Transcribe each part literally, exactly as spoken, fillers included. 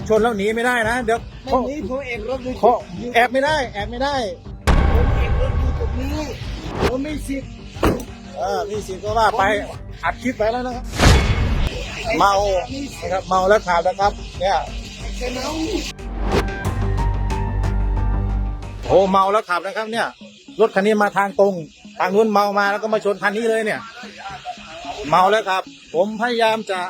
ชนแล้วหนีไม่ได้นะเดี๋ยวไม่หนีผมเอกรถอยู่เขาแอบไม่ได้แอบไม่ได้ผมเอกรถอยู่ตรงนี้ผมไม่สิทธิ์เออมีสิทธิ์ก็ว่าไปอัดคลิปไปแล้วนะครับเมานะครับเมาแล้วขับนะครับเนี่ยใช่ไหมโอ้เมาแล้วขับนะครับเนี่ยรถคันนี้มาทางตรงทางนู้นเมามาแล้วก็มาชนคันนี้เลยเนี่ยเมาแล้วครับผมพยายามจะ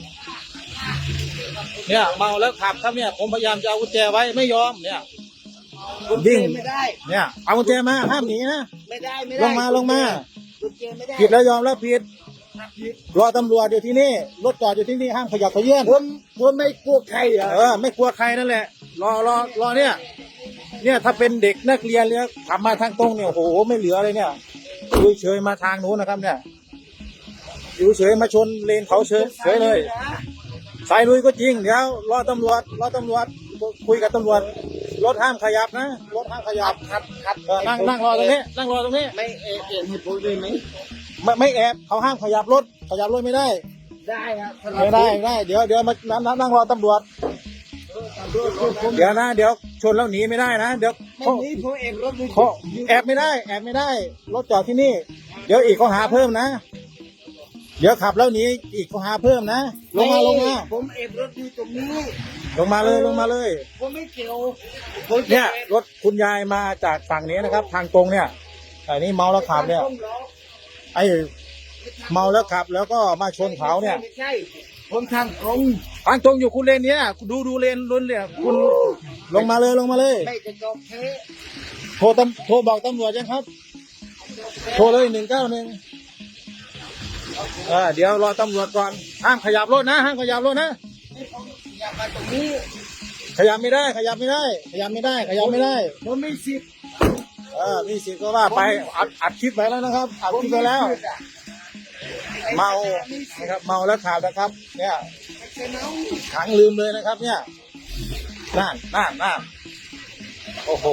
เนี่ยเมาแล้วขับครับเนี่ยผมพยายามจะเอากุญแจไว้ไม่ยอมเนี่ยผมวิ่งไม่ได้เนี่ยเอากุญแจมาห้ามหนีนะไม่ได้ไม่ลได้งมาลงมาผมเจอไม่ได้ผิดแล้วยอมแล้วผิดรอตำรวจอยู่ที่นี่รถจอดอยู่ที่นี่ห้ามขยับขยื่นผมผมไม่กลัวใครเหรอเออไม่กลัวใครนั่นแหละรอรอรอเนี่ยเนี่ยถ้าเป็นเด็กนักเรียนเลยขับมาทางตรงเนี่ยโอ้โหไม่เหลือเลยเนี่ยอยู่เฉยมาทางนู้นนะครับเนี่ยอยู่เฉยมาชนเลนเขาเฉยเฉยเลยสายลุยก็จริงเดี๋ยวรอตำรวจรอตำรวจคุยกับตำรวจรถห้ามขยับนะรถห้ามขยับครับครับเออนั่งนั่งรอตรงนี้นั่งรอตรงนี้ไม่เอกเอกให้ผมเลยไหมไม่ไม่แอบเขาห้ามขยับรถขยับรถไม่ได้ได้ครับไม่ได้ไม่ได้เดี๋ยวเดี๋ยวมานั่งนั่งนั่งรอตำรวจเดี๋ยวนะเดี๋ยวชนแล้วหนีไม่ได้นะเดี๋ยวไม่เขาหนีผมเอกรถอยู่เขาแอบไม่ได้แอบไม่ได้รถจอดที่นี่ เดี๋ยวอีกเขาหาเพิ่มนะ เดี๋ยวขับแล้วหนีอีกเขาหาเพิ่มนะลงมาลงมาผมเอกรถอยู่ตรงนี้ลงมาเลยลงมาเลยผมไม่เกี่ยวผมจะเนี่ยรถคุณยายมาจากฝั่งนี้นะครับ ทางตรงเนี่ยไอ้นี่เมาแล้วขับเนี่ย ไอ้เมาแล้วขับ แล้วก็มาชนเขาเนี่ยไม่ใช่ผมทางตรงทางตรงอยู่คุณเลนเนี้ยดูดูเลนล้นเลยคุณลงมาเลยลงมาเลยไม่จะจบเทโทรตำโทรบอกตำรวจยังครับ โทรเลยหนึ่งเก้าหนึ่งเออเดี๋ยวรอตำรวจก่อนห้ามขยับรถนะห้ามขยับรถนะอย่ามาตรงนี้ขยับไม่ได้ ขยับไม่ได้ ขยับไม่ได้ ขยับไม่ได้ผมไม่สิทธิ์เออมีสิทธิ์ก็ว่าไปอัดอัดคลิปไปแล้วนะครับอัดคลิปไปแล้ว เมานะครับเมาแล้วขับนะครับ เนี่ยใช่ไหมขังลืมเลยนะครับ เนี่ยนั่นนั่นนั่นโอ้โห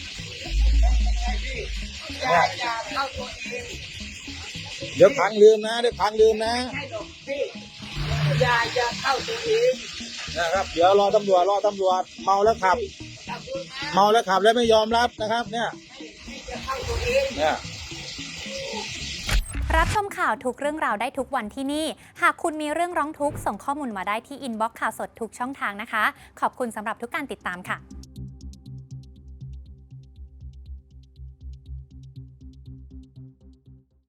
อย่าอย่าเข้าตัวเองเดี๋ยวขังลืมนะเดี๋ยวขังลืมนะใช่ดอกพี่อย่าอย่าเข้าตัวเองนะครับ เดี๋ยวรอตำรวจรอตำรวจเมาแล้วขับ เมาแล้วขับแล้วไม่ยอมรับนะครับ เนี่ยอย่าเข้าตัวเองเนี่ยรับชมข่าวทุกเรื่องราวได้ทุกวันที่นี่ หากคุณมีเรื่องร้องทุกข์ส่งข้อมูลมาได้ที่อินบ็อกซ์ข่าวสดทุกช่องทางนะคะ ขอบคุณสำหรับทุกการติดตามค่ะ